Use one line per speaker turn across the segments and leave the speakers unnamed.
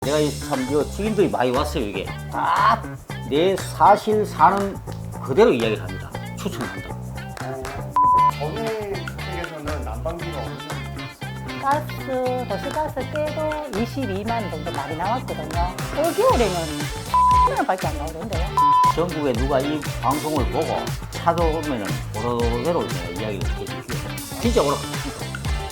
내가 참 지인들이 많이 왔어요. 이게 딱 내 사실 사는 그대로 이야기를 합니다. 추천한다.
전에 주택에서는 난방비가 없는
가스, 도시가스 깨도 22만 정도 많이 나왔거든요. 올겨울에는 10만원밖에 안 나오던데요.
전국에 누가 이 방송을 보고 찾아오면은 그대로 내가 이야기를 해주시오. 진짜 오락합니다.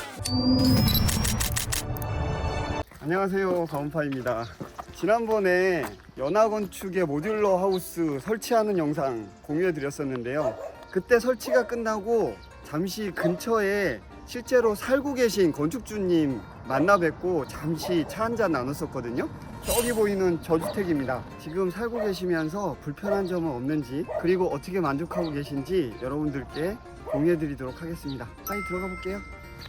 안녕하세요, 가온파입니다. 지난번에 연하건축의 모듈러 하우스 설치하는 영상 공유해 드렸었는데요. 그때 설치가 끝나고 잠시 근처에 실제로 살고 계신 건축주님 만나 뵙고 잠시 차 한잔 나눴었거든요. 저기 보이는 저주택입니다. 지금 살고 계시면서 불편한 점은 없는지, 그리고 어떻게 만족하고 계신지 여러분들께 공유해 드리도록 하겠습니다. 빨리 들어가 볼게요.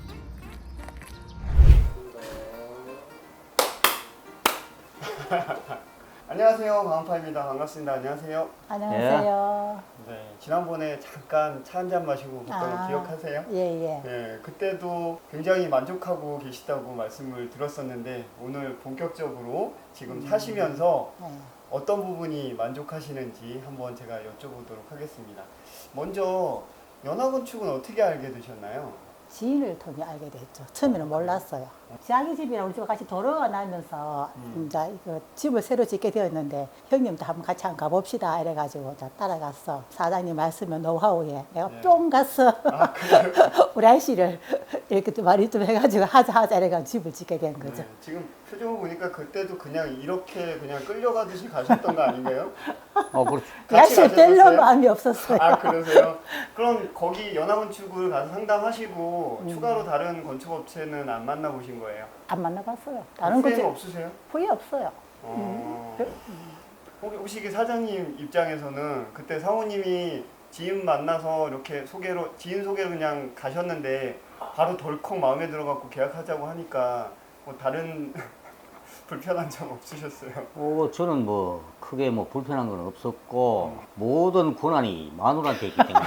안녕하세요, 가온파입니다. 반갑습니다. 안녕하세요.
안녕하세요.
네, 지난번에 잠깐 차 한잔 마시고 갔던 거 기억하세요?
예.
네, 그때도 굉장히 만족하고 계시다고 말씀을 들었었는데 오늘 본격적으로 지금 사시면서
네.
어떤 부분이 만족하시는지 한번 제가 여쭤보도록 하겠습니다. 먼저 연하건축은 어떻게 알게 되셨나요?
지인을 통해 알게 됐죠. 처음에는 몰랐어요. 자기 집이랑 우리 집 같이 도로가 나면서 이제 이거 집을 새로 짓게 되었는데 형님도 한번 같이 한번 가봅시다 이래가지고 따라갔어. 사장님 말씀에 노하우에 내가
네.
뿅 갔어.
아, 그래요?
우리 아저씨를 이렇게 좀 말이 좀 해가지고 하자 이래가지고 집을 짓게 된 거죠.
네, 지금 표정을 보니까 그때도 그냥 이렇게 그냥 끌려가듯이 가셨던 거 아닌가요?
그렇죠.
그 아저씨를
가셨었어요?
뗄려 마음이 없었어요.
아, 그러세요? 그럼 거기 연하건축을 가서 상담하시고 추가로 다른 건축업체는 안 만나보신 거예요?
안 만나봤어요. 다른
후회는
거지
없으세요?
후회 없어요.
혹시 그 사장님 입장에서는 그때 사모님이 지인 만나서 이렇게 지인 소개로 그냥 가셨는데 바로 덜컥 마음에 들어갖고 계약하자고 하니까 뭐 다른 불편한 점 없으셨어요?
저는 크게 불편한 건 없었고 모든 권한이 마누라한테 있기 때문에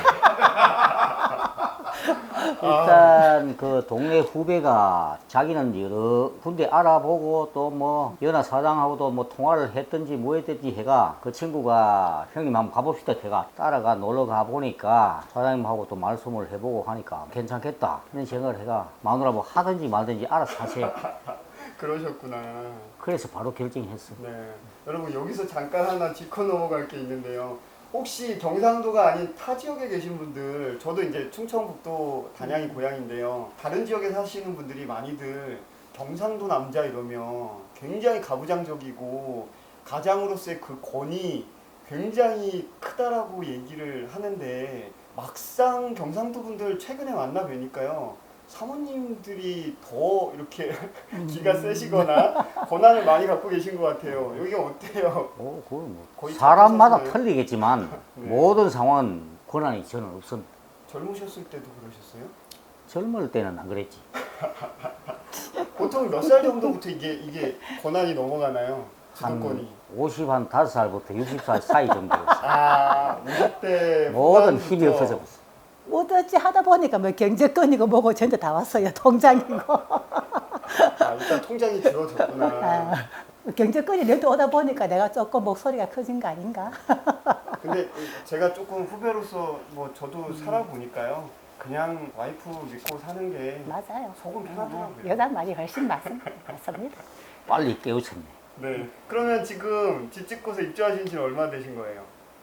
일단 그 동네 후배가 자기는 여러 군데 알아보고 또 연하 사장하고도 통화를 했든지 뭐 했든지 해가 그 친구가 형님 한번 가봅시다 해가 따라가 놀러 가보니까 사장님하고 또 말씀을 해보고 하니까 괜찮겠다 이런 생각을 해가 마누라 하든지 말든지 알아서 하세요.
그러셨구나.
그래서 바로 결정했어.
네, 여러분 여기서 잠깐 하나 짚고 넘어갈 게 있는데요. 혹시 경상도가 아닌 타 지역에 계신 분들, 저도 이제 충청북도 단양이 고향인데요. 다른 지역에 사시는 분들이 많이들 경상도 남자 이러면 굉장히 가부장적이고 가장으로서의 그 권위 굉장히 크다라고 얘기를 하는데 막상 경상도 분들 최근에 만나 뵈니까요. 사모님들이 더 이렇게 기가 세시거나 권한을 많이 갖고 계신 것 같아요. 여기 어때요?
그건
거의
사람마다
찾으셨나요?
틀리겠지만
네.
모든 상황은 권한이 저는 없습니다.
젊으셨을 때도 그러셨어요?
젊을 때는 안 그랬지.
보통 몇 살 정도부터 이게 권한이 넘어가나요? 주도권이.
55살부터 60살 사이 정도였어.
아, 50대
모든 힘이 없어져 버렸어.
어떻지 하다 보니까 경제권이고 뭐고 전부 다 왔어요. 통장이고.
아, 일단 통장이 줄어졌구나.
경제권이 내도 오다 보니까 내가 조금 목소리가 커진 거 아닌가?
근데 제가 조금 후배로서 저도 살아보니까요. 그냥 와이프 믿고 사는 게
맞아요.
속은 편하더라고요.
여자 말이 훨씬 맞습니다.
빨리 깨우쳤네.
네. 그러면 지금 집 짓고서 입주하신 지는 얼마 되신 거예요?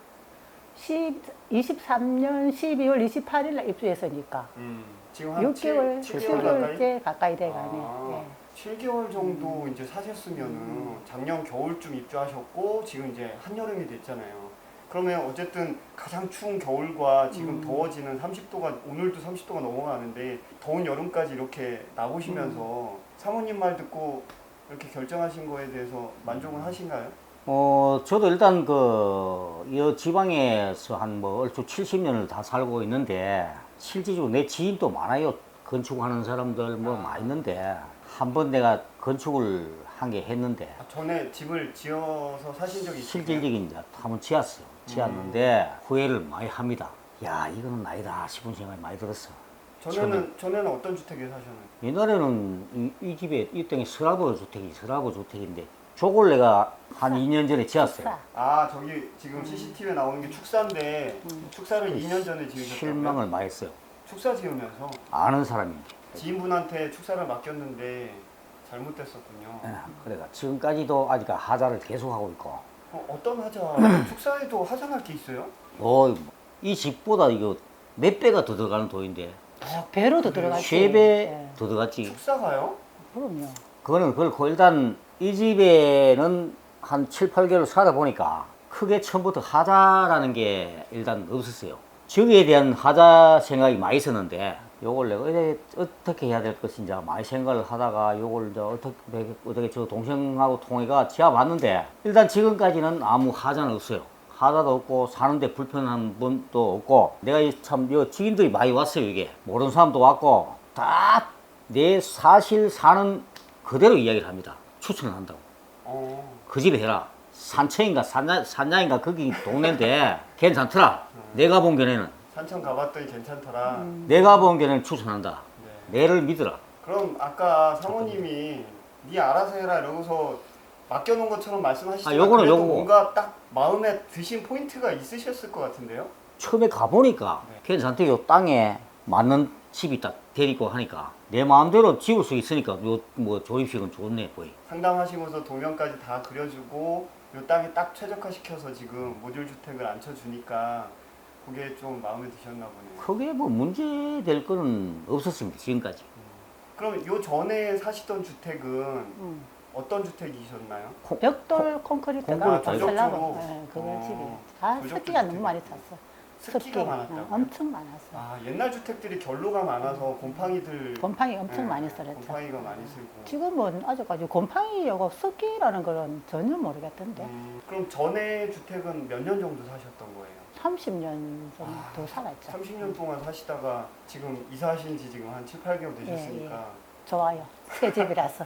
23년 12월 28일 날 입주했으니까
지금 한
6개월,
7개월 가까이?
7개월째 가까이 돼가네.
아, 7개월 정도 이제 사셨으면은 작년 겨울쯤 입주하셨고 지금 이제 한여름이 됐잖아요. 그러면 어쨌든 가장 추운 겨울과 지금 더워지는 30도가 오늘도 30도가 넘어가는데 더운 여름까지 이렇게 나오시면서 사모님 말 듣고 이렇게 결정하신 거에 대해서 만족은 하신가요?
저도 일단 이 지방에서 얼추 70년을 다 살고 있는데 실질적으로 내 지인도 많아요. 건축하는 사람들 많이 있는데 한번 내가 건축을 한 게 했는데
전에 집을 지어서 사신 적이 있으세요?
실질적인 이제 한번 지었어요. 지었는데 후회를 많이 합니다. 야, 이거는 아니다 싶은 생각이 많이 들었어.
전에는 어떤 주택에 사셨나요?
옛날에는 이 집에 이 땅이 서라보 주택인데 저걸 내가 한 2년 전에 지었어요.
축사.
아, 저기 지금 CCTV에 나오는 게 축사인데 축사를 2년 전에 지으셨다고요?
실망을 많이 했어요.
축사 지으면서
아는 사람인데.
지인분한테 축사를 맡겼는데 잘못됐었군요.
그래가 지금까지도 아직 하자를 계속하고 있고.
어떤 하자? 축사에도 하자날 게 있어요?
이 집보다 이거 몇 배가 더 들어가는 돈인데.
배로도 들어가지.
3배
예.
더 들어갔지.
축사가요?
그럼요.
그거는 그렇고 일단 이 집에는 한 7, 8개월 살다 보니까 크게 처음부터 하자라는 게 일단 없었어요. 저기에 대한 하자 생각이 많이 있었는데 요걸 내가 어떻게 해야 될 것인지 많이 생각을 하다가 요걸 이제 어떻게 저 동생하고 통해가 지어봤는데 일단 지금까지는 아무 하자는 없어요. 하자도 없고 사는데 불편한 분도 없고 내가 참 지인들이 많이 왔어요. 이게 모르는 사람도 왔고 다 내 사실 사는 그대로 이야기를 합니다. 추천을 한다고. 그 집에 해라. 산청인가 산장인가 거기 동네인데 괜찮더라. 내가 본 견해는
산청 가봤더니 괜찮더라.
내가 본 견해는 추천한다.
네.
내를 믿어라.
그럼 아까 사모님이 네 알아서 해라 이러고서 맡겨놓은 것처럼 말씀하시지만
요거는
그래도
요거고.
뭔가 딱 마음에 드신 포인트가 있으셨을 것 같은데요?
처음에 가보니까
네.
괜찮대. 요 땅에 맞는 집이 딱 데리고 하니까 내 마음대로 지을 수 있으니까 요 뭐 조립식은 좋네 보이.
상담하시면서 도면까지 다 그려주고 요 땅에 딱 최적화시켜서 지금 모듈 주택을 앉혀주니까 그게 좀 마음에 드셨나 보네요.
크게 뭐 문제 될 거는 없었습니다. 지금까지.
그럼 요 전에 사시던 주택은 어떤 주택이셨나요?
벽돌 콘크리트가
콘크리트
건설라고.
조적으로?
예, 그걸 집이.
조적
습기가 너무
주택.
많이 찼어.
습기가 많았다고요?
엄청 많았어.
아, 옛날 주택들이 결로가 많아서 곰팡이들
곰팡이 엄청
네,
많이 썰었죠.
곰팡이가 많이 쓸고.
지금은 아직까지 곰팡이하고 습기라는 거는 전혀 모르겠던데.
그럼 전에 주택은 몇 년 정도 사셨던 거예요?
30년 정도 살았죠.
30년 동안 사시다가 지금 이사하신 지 지금 한 7, 8개월 되셨으니까
좋아요. 새 집이라서.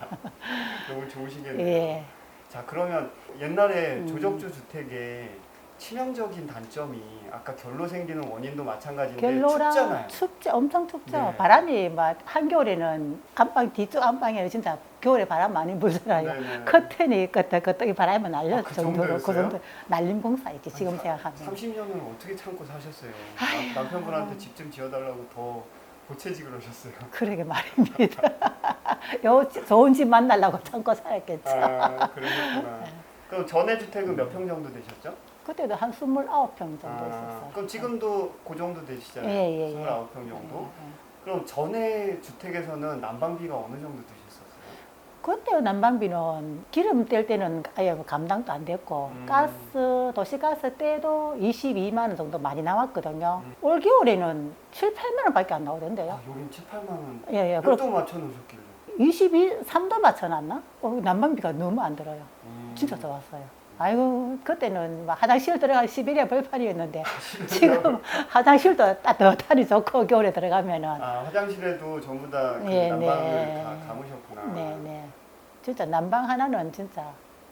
너무 좋으시겠네요.
예.
자, 그러면 옛날에 조적주 주택의 치명적인 단점이 아까 결로 생기는 원인도 마찬가지인데
결로랑
춥잖아요.
엄청 춥죠.
네.
바람이 막 한겨울에는 안방 뒤쪽 안방에 진짜 겨울에 바람 많이 불잖아요.
네네.
커튼이 끄떡끄떡이 바람이 날릴
그
정도로 그
정도였어요?
정도 날림 공사였지 지금 생각하면.
30년을 어떻게 참고 사셨어요? 남편분한테 집 좀 지어달라고 더 보채직을 하셨어요.
그러게 말입니다. 요 좋은 집 만나려고 참고 살았겠죠.
아, 그러셨구나. 그럼 전에 주택은 몇 평 정도 되셨죠?
그때도 한 29평 정도 있었어요.
그럼 지금도 그 정도 되시잖아요.
예.
29평 정도.
예.
그럼 전에 주택에서는 난방비가 어느 정도 드셨었어요?
그때 난방비는 기름 뗄 때는 아예 뭐 감당도 안 됐고 가스 도시가스 때도 22만 원 정도 많이 나왔거든요. 올 겨울에는 7, 8만 원밖에 안 나오던데요.
아, 여긴 7, 8만 원.
예.
몇 도 맞춰 놓으셨길래?
3도 맞춰놨나? 난방비가 너무 안 들어요. 진짜 좋았어요. 아이고 그때는 막 화장실 들어갈 시베리아 벌판이었는데 지금 화장실도 따뜻하니 좋고 겨울에 들어가면은
아, 화장실에도 전부 다 그
예,
난방을
네.
다 감으셨구나.
네네 진짜 난방 하나는 진짜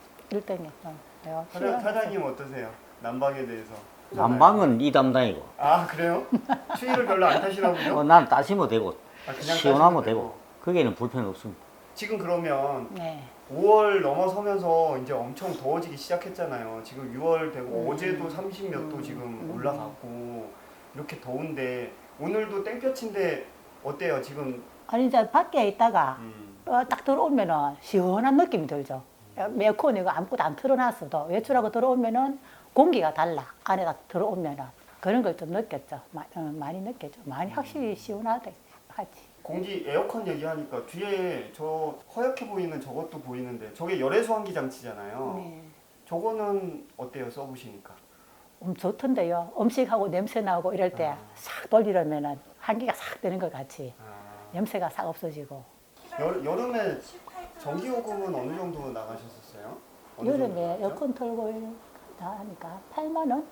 1등이었죠.
사장님 어떠세요? 난방에 대해서?
난방은 이 담당이고
아, 그래요? 추위를 별로 안 타시나 보죠?
난 따시면 되고
아, 그냥
시원하면
따시면
되고 거기에는 불편 없습니다.
지금 그러면
네.
5월 넘어서면서 이제 엄청 더워지기 시작했잖아요. 지금 6월 되고 어제도 30몇 도 지금 올라갔고 이렇게 더운데 오늘도 땡볕인데 어때요? 지금
아니 이제 밖에 있다가
음,
딱 들어오면은 시원한 느낌이 들죠. 에어컨이고 아무것도 안 틀어놨어도 외출하고 들어오면은 공기가 달라. 안에 딱 들어오면은 그런 걸 좀 느꼈죠. 많이 느꼈죠. 많이 확실히 시원하다 하지.
공기 에어컨 얘기하니까 뒤에 저 허옇게 보이는 저것도 보이는데 저게 열외수 환기 장치잖아요.
네.
저거는 어때요? 써보시니까?
좋던데요. 음식하고 냄새 나고 이럴 때 싹 돌리려면은 한기가 싹 되는 것 같이 냄새가 싹 없어지고.
여름에 전기요금은 어느 정도 나가셨었어요? 어느 정도
여름에
나갔죠?
에어컨 틀고 다 하니까 8만 원?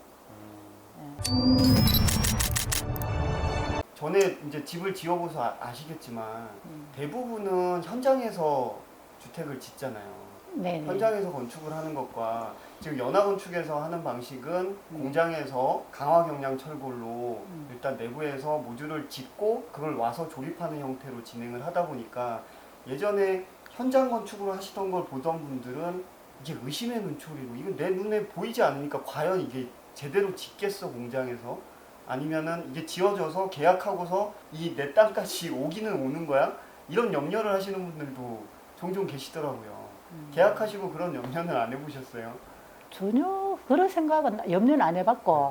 전에 이제 집을 지어보서 아시겠지만 대부분은 현장에서 주택을 짓잖아요.
네.
현장에서 건축을 하는 것과 지금 연화건축에서 하는 방식은 공장에서 강화경량 철골로 일단 내부에서 모듈을 짓고 그걸 와서 조립하는 형태로 진행을 하다 보니까 예전에 현장 건축을 하시던 걸 보던 분들은 이게 의심의 눈초리로 이거 내 눈에 보이지 않으니까 과연 이게 제대로 짓겠어 공장에서 아니면은 이게 지어져서 계약하고서 이 내 땅까지 오기는 오는 거야? 이런 염려를 하시는 분들도 종종 계시더라고요. 계약하시고 그런 염려는 안 해보셨어요?
전혀 그런 생각은 염려는 안 해봤고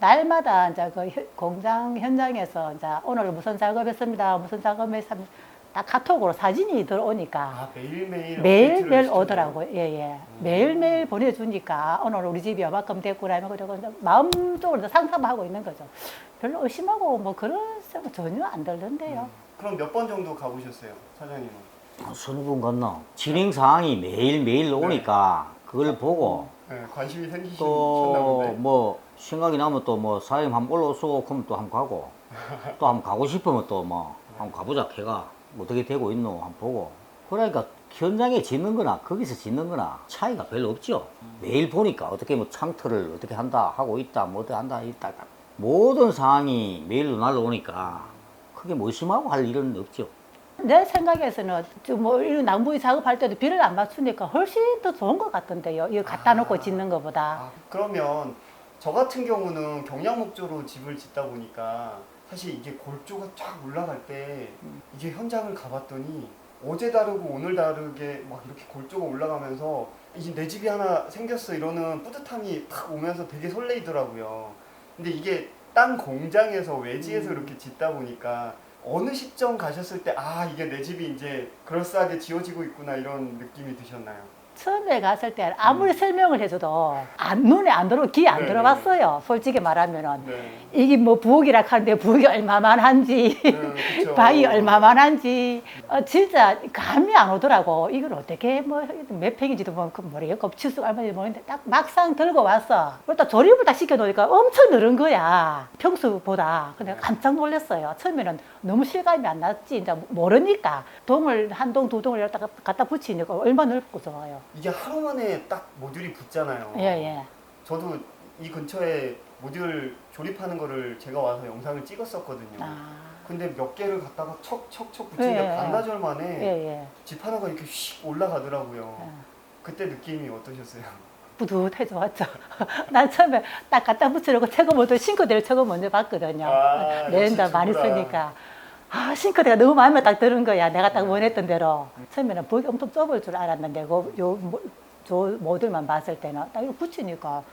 날마다 이제 그 공장 현장에서 이제 오늘 무슨 작업했습니다. 무슨 작업했습니다. 다 카톡으로 사진이 들어오니까
아 매일매일
매일매일
업데이트를 해주시나요?
오더라고요. 예예. 매일매일 보내주니까 오늘 우리 집이 얼마큼 됐구나 이런 거 마음적으로 상상하고 있는 거죠. 별로 의심하고 뭐 그런 생각 전혀 안 들던데요.
그럼 몇 번 정도 가보셨어요, 사장님은?
서너 분 갔나? 진행 사항이 매일매일 오니까 그걸 보고
네, 관심이 생기셨나
또
본데.
뭐 생각이 나면 또 뭐 사장님 한번 올라오소 그러면 또 한번 가고 또 한번 가고 싶으면 또 뭐 한번 가보자 걔가 어떻게 되고 있노 한번 보고 그러니까 현장에 짓는 거나 거기서 짓는 거나 차이가 별로 없죠. 매일 보니까 어떻게 뭐 창틀을 어떻게 한다 하고 있다 뭐 어떻게 한다 있다 모든 상황이 매일로 날라오니까 크게 뭐 의심하고 할 일은 없죠.
내 생각에서는 뭐 이런 낭부의 작업할 때도 비를 안 맞추니까 훨씬 더 좋은 것 같던데요. 이거 갖다 놓고 짓는 것보다.
아, 그러면 저 같은 경우는 경량 목조로 집을 짓다 보니까 사실 이게 골조가 쫙 올라갈 때 이게 현장을 가봤더니 어제 다르고 오늘 다르게 막 이렇게 골조가 올라가면서 이제 내 집이 하나 생겼어 이러는 뿌듯함이 탁 오면서 되게 설레이더라고요. 근데 이게 땅 공장에서 외지에서 이렇게 짓다 보니까 어느 시점 가셨을 때 아 이게 내 집이 이제 그럴싸하게 지어지고 있구나 이런 느낌이 드셨나요?
처음에 갔을 때 아무리 설명을 해줘도 눈에 안 들어, 귀에 안
네,
들어봤어요. 솔직히 말하면은.
네.
이게 뭐 부엌이라 하는데 부엌이 얼마만한지,
그쵸.
방이 얼마만한지, 진짜 감이 안 오더라고. 이걸 어떻게 뭐 몇 평인지도 모르겠고, 치수가 얼마인지 모르겠는데 딱 막상 들고 왔어. 그러다 조립을 딱 시켜놓으니까 엄청 늘은 거야. 평소보다. 근데 깜짝 놀랐어요. 처음에는 너무 실감이 안 났지. 이제 모르니까. 동을 한 동, 두 동을 갖다 붙이니까 얼마나 넓고 좋아요.
이게 하루 만에 딱 모듈이 붙잖아요.
예, 예.
저도 이 근처에 모듈 조립하는 거를 제가 와서 영상을 찍었었거든요.
아,
근데 몇 개를 갖다가 척척척 붙이니까
예, 예.
반나절 만에
예, 예.
집 하나가 이렇게 휙 올라가더라고요.
예.
그때 느낌이 어떠셨어요?
뿌듯해 좋았죠. 난 처음에 딱 갖다 붙이려고 최고 먼저 싱크대를 최고 먼저 봤거든요.
아,
내린다
역시
많이
주부라.
쓰니까. 아, 싱크대가 너무 마음에 딱 드는 거야. 내가 딱 원했던 대로. 처음에는 벽이 엄청 좁을 줄 알았는데, 저 모델만 봤을 때는 딱 이거 붙이니까,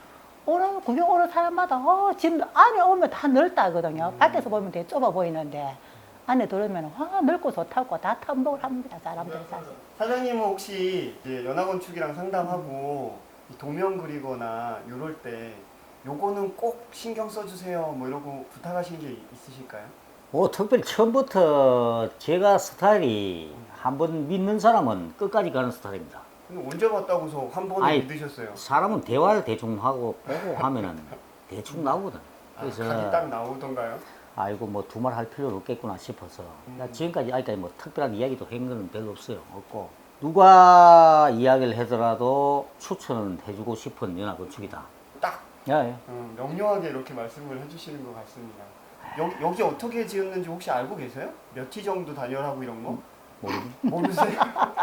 구경 오는 사람마다, 집 안에 오면 다 넓다거든요. 밖에서 보면 되게 좁아 보이는데, 안에 들어오면, 와, 넓고 좋다고 다 탐복을 합니다. 사람들이 사실.
사장님은 혹시 이제 연합건축이랑 상담하고 이 도면 그리거나 이럴 때 요거는 꼭 신경 써주세요 뭐 이러고 부탁하신 게 있으실까요?
뭐 특별히 처음부터 제가 스타일이 한번 믿는 사람은 끝까지 가는 스타일입니다.
근데 언제 봤다고서 한 번에
아이,
믿으셨어요?
사람은 대화를 대충 하고 보고 하면은 대충 나오거든.
그래서
그래서
각이 딱 나오던가요?
아이고 뭐 두말 할 필요는 없겠구나 싶어서 나 지금까지 아직까지 뭐 특별한 이야기도 한 거는 별로 없어요. 없고 누가 이야기를 하더라도 추천은 해주고 싶은 연합건축이다.
딱
예, 예.
명료하게 이렇게 말씀을 해주시는 것 같습니다. 여기 어떻게 지었는지 혹시 알고 계세요? 몇 티 정도 단열하고 이런 거? 모르세요?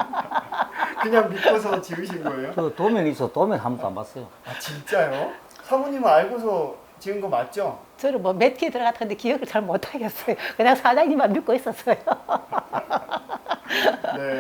그냥 믿고서 지으신 거예요?
저 도면 있어 도면 한 번도 안 봤어요.
아 진짜요? 사모님은 알고서 지은 거 맞죠?
저는 뭐 매트에 들어갔는데 기억을 잘 못하겠어요. 그냥 사장님만 믿고 있었어요.
네.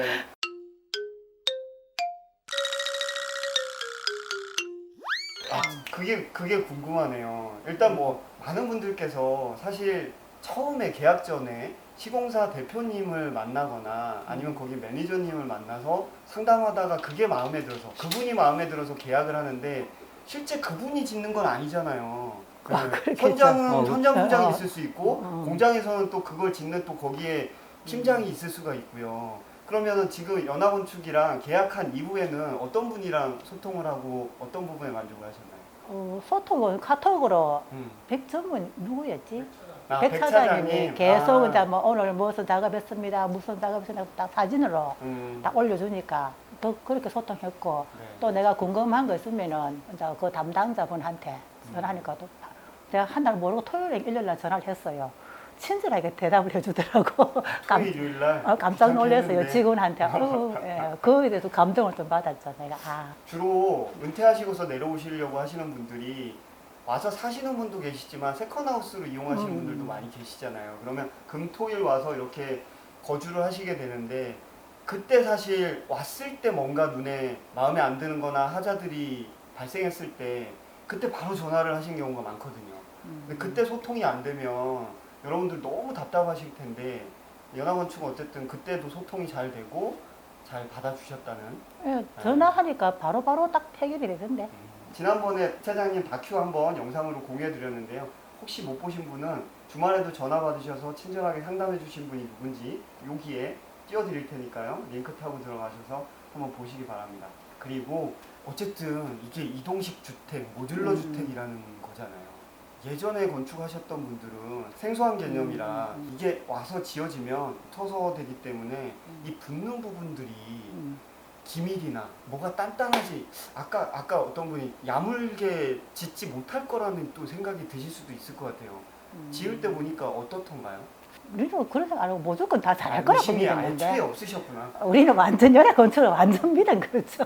아, 그게 궁금하네요. 일단 뭐 많은 분들께서 사실 처음에 계약 전에 시공사 대표님을 만나거나 아니면 거기 매니저님을 만나서 상담하다가 그게 마음에 들어서 그분이 마음에 들어서 계약을 하는데 실제 그분이 짓는 건 아니잖아요.
그렇겠죠.
현장은 현장 부장이
어.
있을 수 있고
어.
공장에서는 또 그걸 짓는 또 거기에 팀장이 있을 수가 있고요. 그러면은 지금 연합건축이랑 계약한 이후에는 어떤 분이랑 소통을 하고 어떤 부분에 만족을 하셨나요?
소통은 카톡으로
음.
백전문 누구였지?
아,
백 차장님이
백차장님.
계속
아.
이제 뭐 오늘 무슨 작업했습니다, 무슨 작업했습니다 딱 사진으로 딱 올려주니까 더 그렇게 소통했고
네.
또 내가 궁금한 거 있으면은 이제 그 담당자분한테 전화하니까 또 제가 한 날 모르고 토요일에 일요일 날 전화를 했어요. 친절하게 대답을 해주더라고.
토요일 요일날
깜짝 놀랐어요.
했는데.
직원한테. 예, 그거에 대해서 감동을 좀 받았죠. 내가.
주로 은퇴하시고서 내려오시려고 하시는 분들이 와서 사시는 분도 계시지만 세컨하우스로 이용하시는 분들도 많이 계시잖아요. 그러면 금토일 와서 이렇게 거주를 하시게 되는데 그때 사실 왔을 때 뭔가 눈에 마음에 안 드는 거나 하자들이 발생했을 때 그때 바로 전화를 하신 경우가 많거든요. 근데 그때 소통이 안 되면 여러분들 너무 답답하실 텐데 연합건축은 어쨌든 그때도 소통이 잘 되고 잘 받아주셨다는.
예, 전화하니까 바로바로 딱 해결이 되던데.
지난번에 차장님 다큐 한번 영상으로 공유해 드렸는데요. 혹시 못 보신 분은 주말에도 전화 받으셔서 친절하게 상담해 주신 분이 누군지 여기에 띄워드릴 테니까요. 링크 타고 들어가셔서 한번 보시기 바랍니다. 그리고 어쨌든 이게 이동식 주택, 모듈러 주택이라는 거잖아요. 예전에 건축하셨던 분들은 생소한 개념이라 이게 와서 지어지면 토서되기 때문에 이 붙는 부분들이 기밀이나 뭐가 단단하지 아까 어떤 분이 야물게 짓지 못할 거라는 또 생각이 드실 수도 있을 것 같아요. 지을 때 보니까 어떻던가요?
우리는 그런 생각 안 하고 무조건 다 잘할 거라고
의심이 애초에
믿었는데.
없으셨구나.
우리는 완전 연애 건축을 완전 믿은 거죠.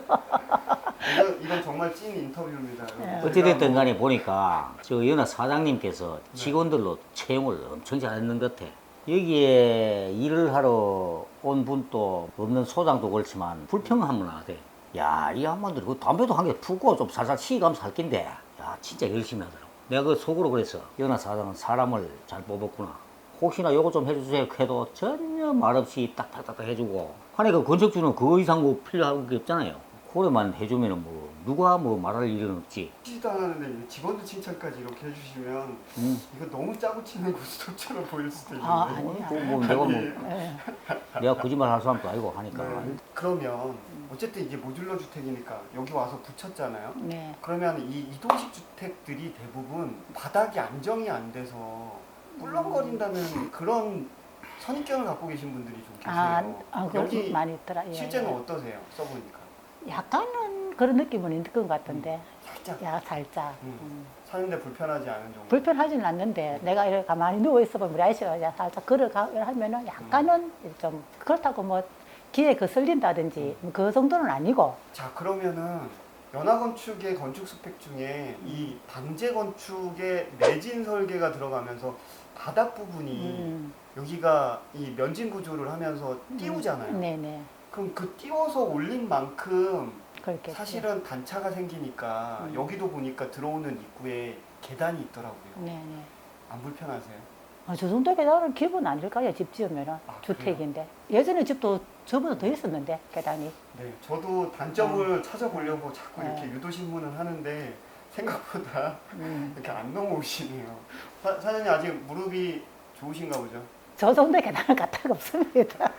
이건 정말 찐 인터뷰입니다.
네.
어찌됐든 간에 보니까 저 연화 사장님께서 직원들로 채용을 엄청 잘했는 것 같아. 여기에 일을 하러 온 분도 없는 소장도 그렇지만 불평하면 안 돼. 야, 이 양반들이 그 담배도 한 개 푸고 좀 살살 치가면서 살 낀데, 야, 진짜 열심히 하더라고. 내가 그 속으로 그랬어. 연화 사장은 사람을 잘 뽑았구나. 혹시나 요거 좀 해주세요 해도 전혀 말없이 딱딱딱 해주고. 아니 그 건축주는 그 이상 뭐 필요한 게 없잖아요. 그래만 해주면은 뭐 누가 뭐 말할 일은 없지.
치지도 않았는데 직원들 칭찬까지 이렇게 해주시면 이거 너무 짜고 치는 고스톱처럼 보일 수도 있는데.
아니야.
뭐 내가 뭐
예.
내가 거짓말 할 사람도 아니고 하니까.
네. 그러면 어쨌든 이게 모듈러 주택이니까 여기 와서 붙였잖아요.
네.
그러면 이 이동식 주택들이 대부분 바닥이 안정이 안 돼서 꿀렁거린다는 그런 선입견을 갖고 계신 분들이 좀 계세요.
그거
여기
많이 있더라. 예.
실제는 어떠세요? 써보니까
약간은 그런 느낌은 있는 것 같던데.
살짝
야, 살짝.
사는데 불편하지 않은 정도.
불편하지는 않는데 내가 이렇게 가만히 누워 있어보면 우리 아저씨가 그냥 살짝 걸어가 하면은 약간은 좀 그렇다고 뭐 기에 거슬린다든지 그 정도는 아니고.
자, 그러면은 연화건축의 건축 스펙 중에 이 방제 건축의 내진 설계가 들어가면서 바닥 부분이 여기가 이 면진 구조를 하면서 띄우잖아요.
네네.
그럼 그 띄워서 올린 만큼
그렇게.
사실은 단차가 생기니까 여기도 보니까 들어오는 입구에 계단이 있더라고요.
네네.
안 불편하세요?
저 정도 계단은 기본 아닐까요? 집 지으면은. 주택인데. 예전에 집도 저보다 더 있었는데, 계단이.
네, 저도 단점을 찾아보려고 자꾸 이렇게
네.
유도신문을 하는데 생각보다 이렇게 안 넘어오시네요. 사장님 아직 무릎이 좋으신가 보죠?
저 정도 계단은 갖다가 없습니다.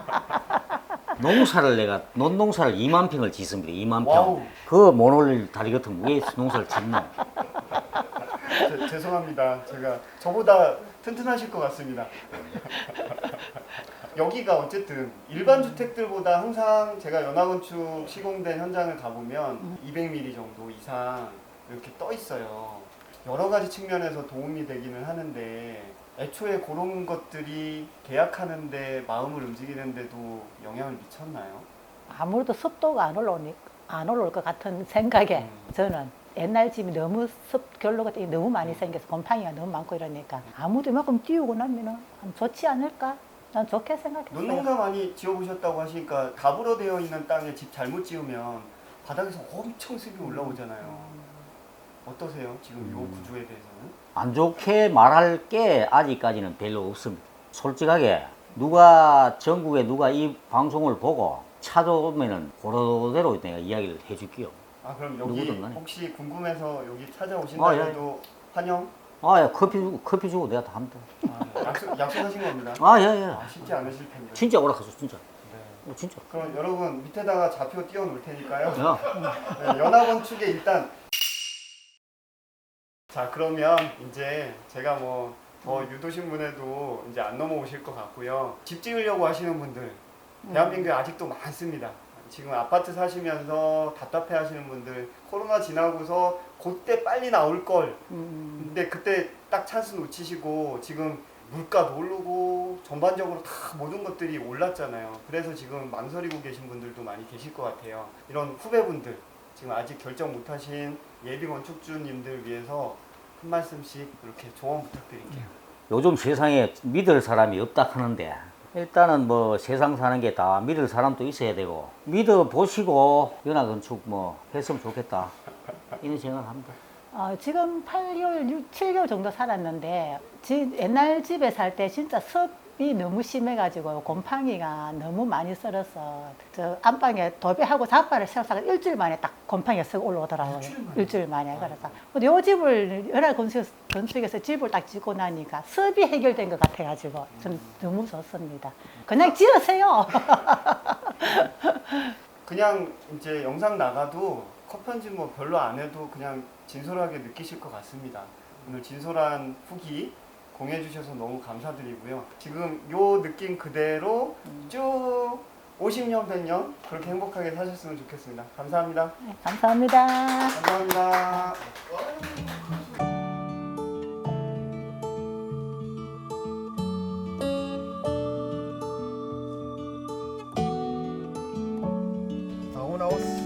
농사를 내가 논농사를 2만 평을 짓습니다. 2만
와우.
평. 그 모놀 다리 같은 왜 농사를 짓노?
죄송합니다. 제가 저보다 튼튼하실 것 같습니다. 여기가 어쨌든 일반 주택들보다 항상 제가 연화건축 시공된 현장을 가보면 200mm 정도 이상 이렇게 떠 있어요. 여러 가지 측면에서 도움이 되기는 하는데 애초에 그런 것들이 계약하는데 마음을 움직이는데도 영향을 미쳤나요?
아무래도 습도가 안 올라올 것 같은 생각에 저는 옛날 집이 너무 결로 같은 게 너무 많이 생겨서 곰팡이가 너무 많고 이러니까 아무도 이만큼 띄우고 나면은 좋지 않을까? 난 좋게 생각했어요.
논농가 많이 지어보셨다고 하시니까 가부로 되어 있는 땅에 집 잘못 지으면 바닥에서 엄청 습이 올라오잖아요. 어떠세요? 지금 이 구조에 대해서는?
안 좋게 말할 게 아직까지는 별로 없습니다. 솔직하게 누가 전국에 누가 이 방송을 보고 찾아오면은 그대로 내가 이야기를 해줄게요.
아, 그럼 여기
누구든 간에.
혹시 궁금해서 여기 찾아오신다
예.
해도 환영?
아, 야, 커피 주고 내가 다 합니다.
아, 약속하신 겁니다.
아, 예, 예.
아, 쉽지 않으실 텐데.
진짜 오락하죠, 진짜.
네.
진짜.
그럼 여러분 밑에다가 좌표 띄워 놓을 테니까요.
야,
네, 연합건축에 일단 자, 그러면 이제 제가 뭐 더 유도신문에도 이제 안 넘어오실 것 같고요. 집 지으려고 하시는 분들 대한민국에 아직도 많습니다. 지금 아파트 사시면서 답답해 하시는 분들 코로나 지나고서 그때 빨리 나올 걸 근데 그때 딱 찬스 놓치시고 지금 물가도 오르고 전반적으로 다 모든 것들이 올랐잖아요. 그래서 지금 망설이고 계신 분들도 많이 계실 것 같아요. 이런 후배분들, 지금 아직 결정 못하신 예비 건축주님들 위해서 한 말씀씩 이렇게 조언 부탁드릴게요.
요즘 세상에 믿을 사람이 없다 하는데 일단은 뭐 세상 사는 게 다 믿을 사람도 있어야 되고 믿어 보시고 연화건축 뭐 했으면 좋겠다 이런 생각을 합니다.
지금 8개월, 7개월 정도 살았는데 옛날 집에 살 때 진짜 습이 너무 심해가지고 곰팡이가 너무 많이 썰어서 저 안방에 도배하고 잡바를 세워서 일주일 만에 딱 곰팡이가 쓱 올라오더라고요. 일주일 만에. 그래서 근데 요 집을 건축에서 집을 딱 짓고 나니까 습이 해결된 것 같아가지고 좀 너무 좋습니다. 그냥 지으세요.
그냥 이제 영상 나가도 컷 편집 뭐 별로 안 해도 그냥 진솔하게 느끼실 것 같습니다. 오늘 진솔한 후기 공유해 주셔서 너무 감사드리고요. 지금 요 느낌 그대로 쭉 50년, 100년 그렇게 행복하게 사셨으면 좋겠습니다. 감사합니다.
네, 감사합니다.
감사합니다. 나오나오스.